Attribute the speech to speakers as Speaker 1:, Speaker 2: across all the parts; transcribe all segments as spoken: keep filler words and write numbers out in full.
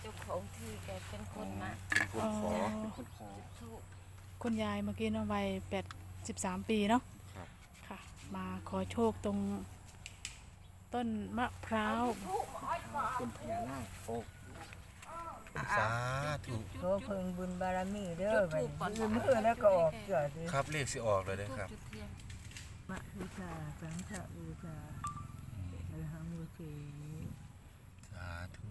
Speaker 1: จ้าของที่แกเป็นคนมา
Speaker 2: เป็นคนขอ
Speaker 3: เป็นคนขอ
Speaker 1: ถูก
Speaker 4: คุณยายเมื่อกี้เนาะวัยแปดสิบสามปีเนาะ
Speaker 2: ครับ
Speaker 4: ค่ะ มาขอโชคตรงต้นมะพร้าว
Speaker 3: เป็นพญานาคโอ้
Speaker 2: สาธุ
Speaker 5: โตเพิ่งบุญบารมีเด้อไปยืมมือแล้วก็ออกเกิดสิ
Speaker 2: ครับเลขสิออกเลยเด้อครับ
Speaker 1: จุดเทียน
Speaker 5: มะบูชาสังฆบูชาอรหังบูชา
Speaker 2: สาธุ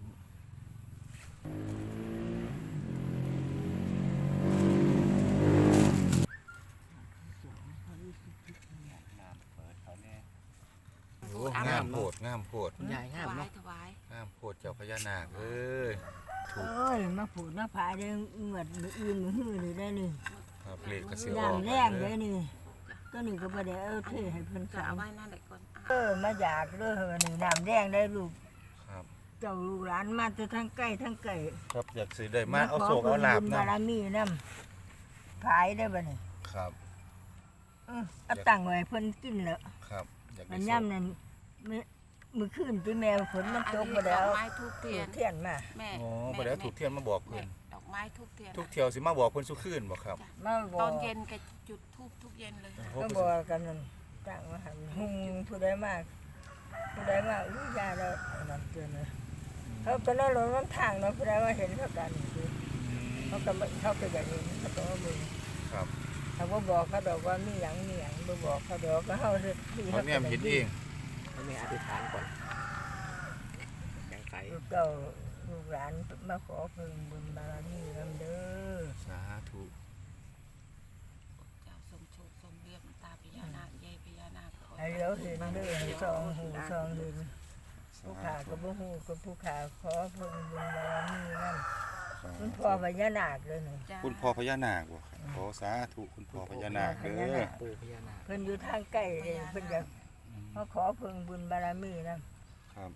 Speaker 2: โอ้งามโพดงามโพด
Speaker 3: คุณยาย
Speaker 1: ถ
Speaker 3: งาม
Speaker 1: วาย
Speaker 3: เนาะ
Speaker 1: ถวาย
Speaker 2: งามโพดเจ้าพญานาคเอ้ยถูก
Speaker 5: เอ้ยมาผูดมาผาเด้งเงือดมืออื่นมือหื้อนี่ได้นี่
Speaker 2: ครับเลขก็สิอ
Speaker 5: ย่า
Speaker 2: อง ก
Speaker 5: แรงเลยนี่ก็นี่ก็บ่ได้เอาเทให้เพิ่น
Speaker 1: จะ
Speaker 5: สา
Speaker 1: เอา
Speaker 5: ม
Speaker 1: ไว้นั่นแหละก่อน
Speaker 5: เออมาอยากเด้อวันนี้น้ำแดงได้ลูก
Speaker 2: ครับ
Speaker 5: เจ้าลูกหลานมาแต่ทั้งใกล้ทั้งไกล
Speaker 2: ครับอยากสิได้มาเอาโศกเอาลาบ
Speaker 5: บุญ
Speaker 2: นะ
Speaker 5: บารมีนำผายได้บ่นี่
Speaker 2: ครับ
Speaker 5: เออเอาตั้งไว้เพิ่นกินแล้ว
Speaker 2: ครับอยากได้
Speaker 5: มัน
Speaker 2: โศ
Speaker 5: ย่ํ
Speaker 2: ก
Speaker 5: นั่นมื้อมื้อคืนที่แม่ฝนมันตกบ่
Speaker 1: ด
Speaker 5: ได้
Speaker 1: อก
Speaker 5: เอา
Speaker 1: ไม้ทูบเทียน
Speaker 5: เทียนมา
Speaker 1: แม่
Speaker 2: อ๋อบ่ได้เอาถูกเทียนมาบอกเพิ่น
Speaker 1: ดอกไม้ทูบเทียน
Speaker 2: ทุกเที่ยวสิมาบอกเพิ่นสุคืนบ่ครับ
Speaker 5: มาบ
Speaker 1: ต
Speaker 5: อ
Speaker 1: อก นเย็นแกจุดทูบทุกเย็นเลย
Speaker 5: ก็บอกกันนั่นตั้งมาหันหุงผู้ใดมากผู้ใดมาอุ้ยยาแล้วนั่นเตือนเลยเขาตอนนั้นรถมันทางเนาะผู้ใดว่าเห็นเขากันคือเขาก็ไม่เขาก็อย่างนี้เขาต้องเอามือ
Speaker 2: ครับ
Speaker 5: เขาบ่บอกเขาดอกว่ามีหยังมีหยังบ่บอกเขาดอกก็เฮาเฮ็ดที่
Speaker 2: เพราะเนี่ยมันเห็นเอง
Speaker 3: ให้แม่อธิษฐานก่อนยังไง
Speaker 5: ลูกเจ้าลูกหลานมาขอเพิ่งบุญบารมีนำเด้อ
Speaker 2: สาธุ
Speaker 1: เจ้าทรงโชคทรงเรียบตาพญานาคยายพญานาค
Speaker 5: ให้เราเห็นเด้อให้สองหูสองเห็นผู้ขาก็บ่ฮู้ก็ผู้ขาขอเพิ่งบุญบารมีนำคุณพ่อพญานาคเลยนี่
Speaker 2: คุณพ่อพญานาคบ่ครับขอสาธุคุณพ่อพญานาคเด้อ
Speaker 3: ปู่พญานาค
Speaker 5: เพิ่นอยู่ทางใกล้เลยเพิ่นอยากมาขอเพิ่งบุญบารมีนะครับ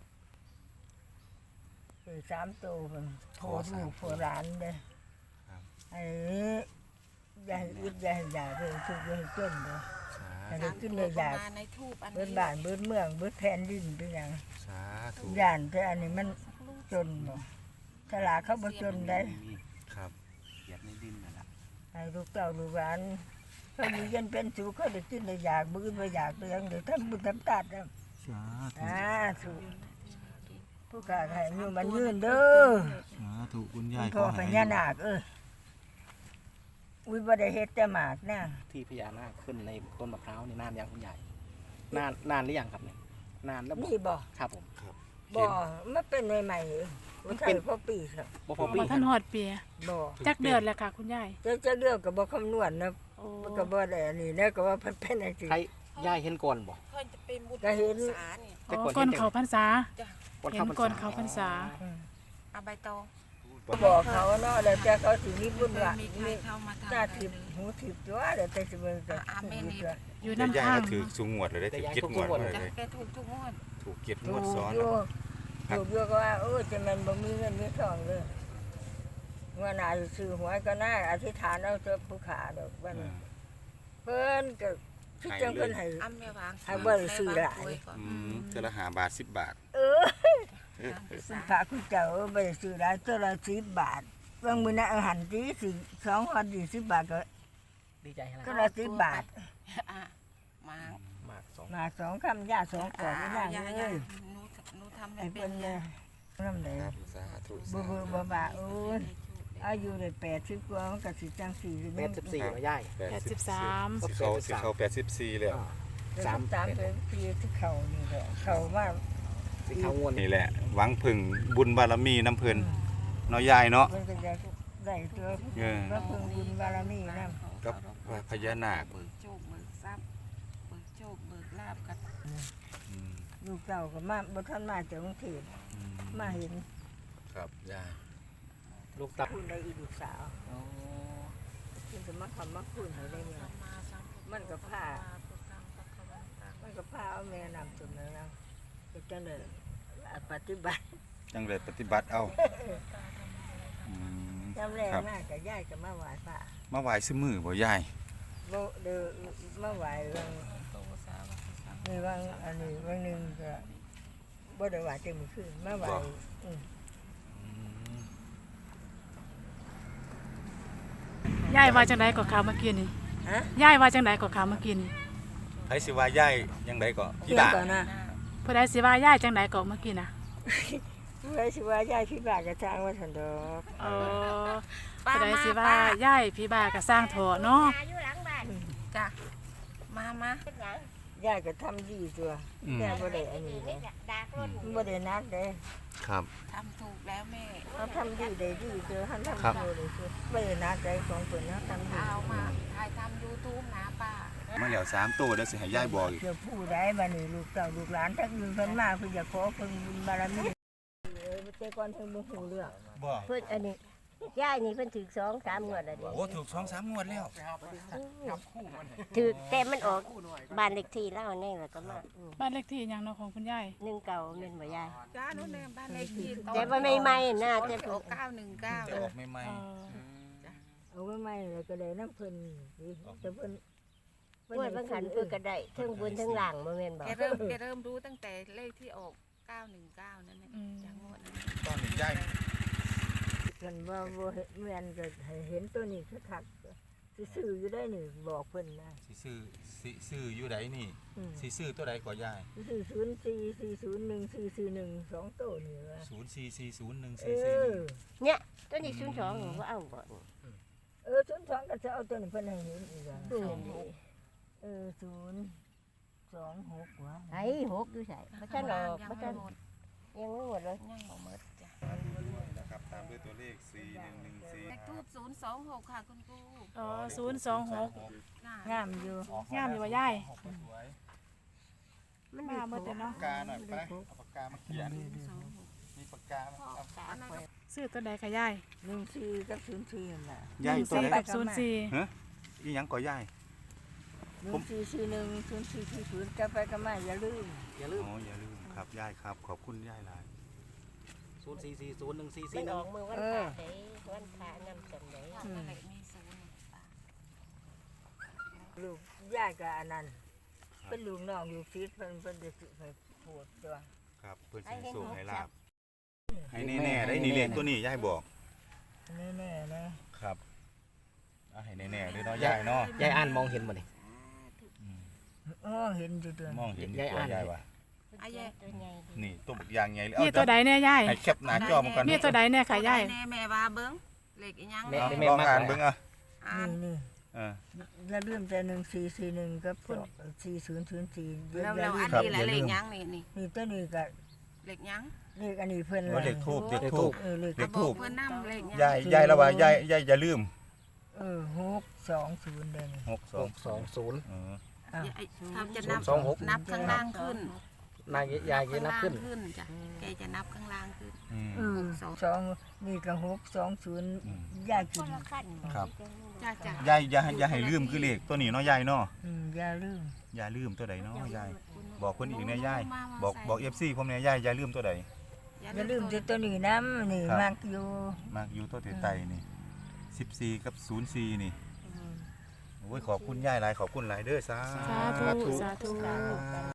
Speaker 5: คือสามตัวเพิ่นโผล่ลูกโผล่หลานเด้อ
Speaker 2: ครับ
Speaker 5: ไอ้อย่าให้อึดอย่าให้อยากเพิ่นทุกข์อย่าให้จนเด้อ
Speaker 2: สา
Speaker 5: ให้
Speaker 2: ธุ
Speaker 5: ได้ขึ้นได้อยาก
Speaker 1: ในทูบอัน
Speaker 5: เบิด
Speaker 1: นี้
Speaker 5: บ้านเบิดเมืองเบิดแผ่นดินเป็นหยัง
Speaker 2: สาธุ
Speaker 5: ย่านแต่อันนี้มันจนบ่ตลาดเขาบ่จนได้
Speaker 2: ครับ
Speaker 3: เหยียบในดินนั่นแหละ
Speaker 5: ให้ลูกเต้าลูกหลานเขาอยู่เย็นเป็นสุขเขาได้กินได้อยากบ่อื่นบ่อยากเรื่องได้ทำบุญทำทานเด้อ
Speaker 2: สาธุ
Speaker 5: สาธุผู้กล้าให้อยู่มันยืนเด้อ
Speaker 2: สาธุคุณ
Speaker 5: คุ
Speaker 2: ยาย
Speaker 5: ณพ่อพญานาคเอ้ยอุ้ยบ่ได้เฮ็ดแต่หมากนะ
Speaker 3: ที่พญานาคขึ้นในต้นมะพร้าวนี่นานยังคุณยายนานนานหรือยังครับเนี่ยนานแล้วบ่
Speaker 5: นี่บ่
Speaker 3: ครับผม
Speaker 5: บ่มันเป็นใหม่ๆเองบ่ใช่พอปีครับ
Speaker 3: บ่พอปี
Speaker 4: มาท่านหอดเปีย
Speaker 5: บ่
Speaker 4: จักเดือนแล้วค่ะ คุณยาย
Speaker 5: จะจะเลือกก็บ่คำนวณนะ
Speaker 4: โอ้
Speaker 5: มันก็บ่ได้อันนี้นะก็ว่าเพิ่นเป็นจังซี่
Speaker 3: ใครยายเห็นก่อนบ่
Speaker 1: เพิ่นจะเป็นบุญ
Speaker 5: ก็เห็น
Speaker 1: สาเนี่ย
Speaker 3: แต่
Speaker 4: อ๋
Speaker 3: ก่
Speaker 4: อ
Speaker 3: อน
Speaker 4: ก่อน
Speaker 3: เห็น
Speaker 4: เขาพรรษา
Speaker 3: ก่อน
Speaker 4: เห็น
Speaker 3: เข้าพรร
Speaker 4: ก่อน
Speaker 3: ษา
Speaker 4: เขาพรรษา
Speaker 5: อืม
Speaker 1: เอาใบตอง
Speaker 5: บอกเขาเนาะแล้วแต่เขาสิมีบุญ
Speaker 1: เคย
Speaker 5: ว่า
Speaker 1: มีใคร
Speaker 5: มี
Speaker 1: เข้ามาทำ
Speaker 5: หน้าทิพย์หูทิพย์ตัวแล้วแต่สิเบิ่งก็
Speaker 1: อ่ะอาเมนนี่
Speaker 4: อยู่
Speaker 2: แต่
Speaker 4: น้ำ
Speaker 2: ยาย
Speaker 4: ข้าง
Speaker 2: ก็ถือสูงงวดเลยได้ถือเจ็ดงวดเลย
Speaker 1: จ้ะ
Speaker 2: เลย
Speaker 1: แกถูกทุกงวด
Speaker 2: ถูกเจ็ดง
Speaker 5: ถู
Speaker 2: วด
Speaker 5: ก
Speaker 2: ซ้อน
Speaker 5: อยู่ถูกอยู่ก็ว่าโอ้จะมันบ่มีเงินมีทองเลยว่าน่าสิซื้อหวยก็น่าอธิษฐานเอาเถอะผู้ขาดอกว่านั้นเพิ่นก็คิดจังเพิ่นให้
Speaker 1: อ้ำแม่วาง
Speaker 5: ให้บ่ได้ซื้อหลาย
Speaker 2: อืมเท่าละห้าบาทสิบบาท
Speaker 5: เออคุณพระคุณเจ้าเออบ่ได้ซื้อหลายตัวละสิบบาทบางมื้อน่ะเอาหันสิสิสองหันยี่สิบบาทก็
Speaker 3: ดีใจให้
Speaker 5: ตัว
Speaker 3: ละ
Speaker 5: ละสิบบาท
Speaker 1: อ่ะมา
Speaker 3: มากสอง
Speaker 5: มาสองคำยาสองกล่องนี่นาง
Speaker 1: ยา
Speaker 5: เอ้ย
Speaker 1: หนูหนูทำไม่
Speaker 5: ให้
Speaker 1: เป็
Speaker 5: เพิ่
Speaker 1: น
Speaker 5: นเลยน้ำไหน
Speaker 2: ครับสาธุ
Speaker 5: บ่
Speaker 2: สา
Speaker 5: เบ่
Speaker 2: ธุ
Speaker 5: บ่บาโอ้ยอายุได้แปดสิบกว่ามันก็สิจังสี่สิ
Speaker 3: แปดสิบสี่แล้วยาย
Speaker 2: แป
Speaker 4: แป
Speaker 2: ด
Speaker 4: ด
Speaker 2: สิ
Speaker 4: สิ
Speaker 2: บบ
Speaker 4: สาม
Speaker 2: สิเขาสิเขาแปดสิบสี่แล้ว
Speaker 3: อ่า
Speaker 5: สา
Speaker 3: สาม ม
Speaker 5: สามเป็นปีที่เขานี่แหละเขามา
Speaker 3: สิเขางวน
Speaker 2: นี่แหละ หวังพึ่งบุญบารมีน้ำเพิ่นเนาะยายเนาะ
Speaker 5: เพิ่นก็จะได้ตัว
Speaker 2: เออ
Speaker 5: พระเพิ่งบุญบารมีนำ
Speaker 2: กับพญานาค
Speaker 1: เบิกโชคเบิกทรัพย์เบิกโชคเบิกลาบกัน
Speaker 2: อืม
Speaker 5: ลูกเจ้าก็มาบ่ทันมาจากกรุงเทพ
Speaker 2: อืม
Speaker 5: มาเห็น
Speaker 2: ครับยาย
Speaker 3: ลูกตับ
Speaker 5: คุณได้อีกลูกสาว
Speaker 3: อ๋อ
Speaker 5: เพิ่นก็มาคำมาคุณให้ได้เงิน
Speaker 1: มาสังฆ
Speaker 5: มันก็ผ้า
Speaker 1: พุทธังพระคะวันตัง
Speaker 5: มันก็พาเอาแม่นำจนแล้วก็จังได๋ปฏิบัติ
Speaker 2: จังเลยปฏิบัติเอาอืม
Speaker 5: จำแรง
Speaker 2: ครับ
Speaker 5: มากกับยายก็มาไหว้พระ
Speaker 2: มาไหว้ซื้อมือบ่ยาย
Speaker 5: บ่เด้อมาไหว้เรื่อง
Speaker 1: โตสาวกสังฆ
Speaker 5: มีบางอันนี้บางหนึงก็บ่ได้ไหว้เต็มอคืนมาไหว้อืม
Speaker 2: อืม
Speaker 4: ยายว่าจังไดก็ข่าวเมื่อกี้นี่
Speaker 5: ฮะ
Speaker 4: ยายว่าจังไดก็ข่าวเมื่อกี้นี่
Speaker 2: ไผสิว่าย่ายยังไดก็พี่
Speaker 5: เรื่อง
Speaker 2: บ่า
Speaker 5: ก่อนนะ
Speaker 4: ผู้ใดสิว่ายายจังไดก็เมื่อกี้นะ
Speaker 5: ผู้ใดสิว่ายายพี่บากกระจางว่าสันดอก
Speaker 4: เออ
Speaker 1: ป้า
Speaker 4: ผู้ใด
Speaker 1: มา
Speaker 4: สิว่า
Speaker 1: ป้าย
Speaker 4: ายพี่บ้าก็สร้างเถาะเนาะ
Speaker 1: จ้ะมามา
Speaker 5: ยายก็ทำดีตัว
Speaker 2: อืม
Speaker 5: ยายบ่ได้อันนี้เลยบ่ได้นักเด้
Speaker 2: ครับ
Speaker 1: ทำถูกแล้วแม่
Speaker 5: เขาทำดีได้ดีตัวท่านทำ
Speaker 2: ครับ
Speaker 5: โตเลยตัวบ่ได้นักได้ของเพิ่นนะทำดี
Speaker 1: เอามาถ่ายทำ YouTube นะป้า
Speaker 2: มาแล้วสามตัวเดี๋ยวสิให้ย่ายบอกอีก
Speaker 5: เดี๋ยวผู้ใดบัดนี้ลูกเต้าลูกหลานทั้งอื่นเพิ่นมาเพิ่นจะขอเพิ่นบุญบารมีเออแต่ก่อนเพิ่นบ่ฮู้เรื่อง
Speaker 2: บ่
Speaker 6: เพิ่นอันนี้ยายนี่เพิ่นถือสองสามงวดแล้วนี่
Speaker 2: โอ้ถูกสองสามงวดแล้ว
Speaker 6: ถือแต่มันออกบ้านเลขที่เล่าแน่แล้วก็มาอืม
Speaker 4: บ้านเลขที่หยังเนาะของคุณยาย
Speaker 6: หนึ่งเก่าแม่นบ่ยาย
Speaker 1: จ้าโน่นเนี่ยบ้านเลขที่
Speaker 6: แต่ว่าใหม่ๆน่าจะ
Speaker 1: ออกเก้าหนึ่งเก้า
Speaker 2: จะออกใหม่
Speaker 4: เออ
Speaker 5: เอาไว้ใหม่แล้วก็ได้น้ำเพิ่นสิแต่เพิ่น
Speaker 6: งวดบางขันเพิ่นก็ได้เทั้งบนเทั้งล่างบ่แม่นบ่
Speaker 1: แกเริ่มแกเริ่มรู้ตั้งแต่เลขที่ออกเก้าหนึ่งเก้านั่นแหละจากงวดนั้น
Speaker 2: ๆตอนนี้ย่าย
Speaker 5: เพิ่นว่าบ่เห็นแม่นก็ให้เห็นตัวนี้คักๆสิซื้ออยู่ได้นี่บอกเพิ่นนะ
Speaker 2: สิซื้อสิซื้ออยู่ใดนี่
Speaker 5: อืม
Speaker 2: สิซื้อตัวใดก็ย่าย
Speaker 5: สิซื้อศูนย์สี่สี่ศูนย์หนึ่งสี่สี่หนึ่งสองตัวนี่ว่า
Speaker 2: ศูนย์สี่สี่ศูนย์หนึ่ง
Speaker 5: เอ
Speaker 2: สี่สี่
Speaker 5: อ
Speaker 6: เนี่ยตัวนี้ศูนย์สองบ่เอาบ่นี่
Speaker 5: เออศูนย์สองก็จะเอาตัวนี้เพิ่นให้เห็นอีกอ่ะ
Speaker 6: อืม
Speaker 5: เออศูนย์สองหกวะ
Speaker 6: ไอ้หกอยู่ไสบ่ทันออกบ่ทันยังไม่หมดเลย
Speaker 1: ยังบ่หมดจ้ะ
Speaker 2: นะครับตามด้วยตัวเลขสี่หนึ่งหนึ่งสี่
Speaker 1: เลขทูบศูนย์สองหกค่ะคุณครู
Speaker 4: อ๋อศูนย์สองหก
Speaker 1: น่ะ
Speaker 5: งามอยู่
Speaker 4: งามอยู่ว่ายาย
Speaker 2: สวย
Speaker 6: มัน
Speaker 4: มาเมื่อแต่เนาะ
Speaker 2: ปากกาหน่อยไปเอาปากกามาเขียน
Speaker 1: สองหก
Speaker 2: มีปากกาไหมเอา
Speaker 1: อันนั้นก็
Speaker 4: ซื้อตัวใดค่ะยาย
Speaker 5: หนึ่งสี่กับศูนย์สี่นั่นล่ะ
Speaker 2: ย่าย
Speaker 4: หนึ่ง
Speaker 2: ตัว
Speaker 4: สี่
Speaker 2: ไหน
Speaker 4: กับศูนย์สี่
Speaker 2: อีหยังก็ย่าย
Speaker 5: หนึ่งสี่สี่หนึ่งศูนย์สี่สี่ศูนย์จะไปก็มาอย่าลืม
Speaker 3: อย่าลืม
Speaker 2: อ๋ออย่าลืมครับย่ายครับขอบคุณย่ายหลาย
Speaker 3: ศูนย์สี่สี่ศูนย์หนึ่งสี่
Speaker 6: มั
Speaker 3: สี่
Speaker 6: น
Speaker 3: ห
Speaker 6: อ
Speaker 3: นึ่
Speaker 6: อง กมือวันพระเด้วันพระนำจันได
Speaker 1: ค่ะนั่นแหละมีศูนย์ป้า
Speaker 5: ลูกยายกับอันนั้นเป็นลูกน้องอยู่ฟิตเพิ่นเพิ่นจะสิให้ปวดตัว
Speaker 2: ครับเพื่อนสิสูงให้ลาบให้แน่ๆได้นี่เลขตัวนี้ย่ายบอก
Speaker 5: แน่ๆนะครับ
Speaker 2: เอาให้แน่ๆด้วยเนาะย่ายเนาะ
Speaker 3: ยายอ่านมองเห็นบ่นี่
Speaker 5: อ๋อเห็นอยู่ตัว
Speaker 2: มองเห็นอยู่ตัวย่ายว่ะ
Speaker 1: อายาย
Speaker 6: ตัวใหญ่ดี
Speaker 2: นี่ตัวบักยางใหญ่เลย
Speaker 4: นี่ตัวใดเนี่ยยาย
Speaker 2: ให้แคปหน้าจอมาก่อน
Speaker 4: นี่ตัวใดเนี่ยค่ะยาย
Speaker 1: แน่แม่ว่าเบิ้งเลขอีหยัง
Speaker 3: แม่
Speaker 2: เอา
Speaker 3: แม่
Speaker 2: ลอง
Speaker 3: มาก
Speaker 2: อ่าน
Speaker 3: เล
Speaker 2: เบิ่
Speaker 3: ย
Speaker 2: งอ่ะ
Speaker 1: อ่าน
Speaker 5: นี่
Speaker 2: เออ
Speaker 5: ๆอย่าลืมแต่หนึ่งสี่สี่หนึ่งกับสี่ศูนย์ศูนย์สี่อย่า
Speaker 1: แล้ว
Speaker 5: อย่า
Speaker 1: เรา
Speaker 5: ลื
Speaker 1: อั
Speaker 5: ม
Speaker 1: นนี้แหละเลขหยังนี่นี่
Speaker 5: นี่ตัวนี้ก็
Speaker 1: เลขหยัง
Speaker 5: เลขอันนี้เพิ่น
Speaker 2: ว่าเลขทูบเลขทูบ
Speaker 5: เออเลข
Speaker 2: เลข
Speaker 1: บ
Speaker 2: ทู
Speaker 1: อบ กเพื่อนนำเลขหยัง
Speaker 2: ยายยายแล้วว่ายายยายอย่าลืม
Speaker 5: เออหกสองศูนย์เด้นี่
Speaker 2: หกส
Speaker 3: ห
Speaker 2: อง
Speaker 3: กสองศูนย์
Speaker 2: เออ
Speaker 5: อ้าว
Speaker 1: ไอ้เขาจะนับ
Speaker 3: สองหก
Speaker 1: นับข้างล่างขึ้น
Speaker 3: นายยายยนับขึ้น
Speaker 1: ข้างล่างขึ้นจ้ะแกจะนับข้างล่างขึ้น
Speaker 2: อืม
Speaker 5: เออ
Speaker 1: สอง
Speaker 5: สองนี่ก็หกสองศูนย์
Speaker 2: อืม
Speaker 5: ยายกิ
Speaker 6: คน
Speaker 5: น
Speaker 6: ละขั้น
Speaker 2: ครับ
Speaker 1: จ้าจ้ะ
Speaker 2: ยายอย่าให้อย่าให้ลืมคือเลขตัวนี้เนาะยายเนาะ
Speaker 5: อืมอย่าลืม
Speaker 2: อย่าลืมตัวใดเนาะยายบอกคนอีกแน่ยายบอกบอก เอฟ ซี ผมแน่ยายอย่าลืมตัวใด
Speaker 5: อย่าลืมที่ตัวนี้น้ำนี่
Speaker 2: ครับ
Speaker 5: มักอยู่
Speaker 2: มากอยู่ตัวไตๆนี่สิบสี่กับศูนย์สี่นี่โอ้ยขอบคุณยายหลายขอบคุณหลายเด้อสา
Speaker 4: สาธุสาธุ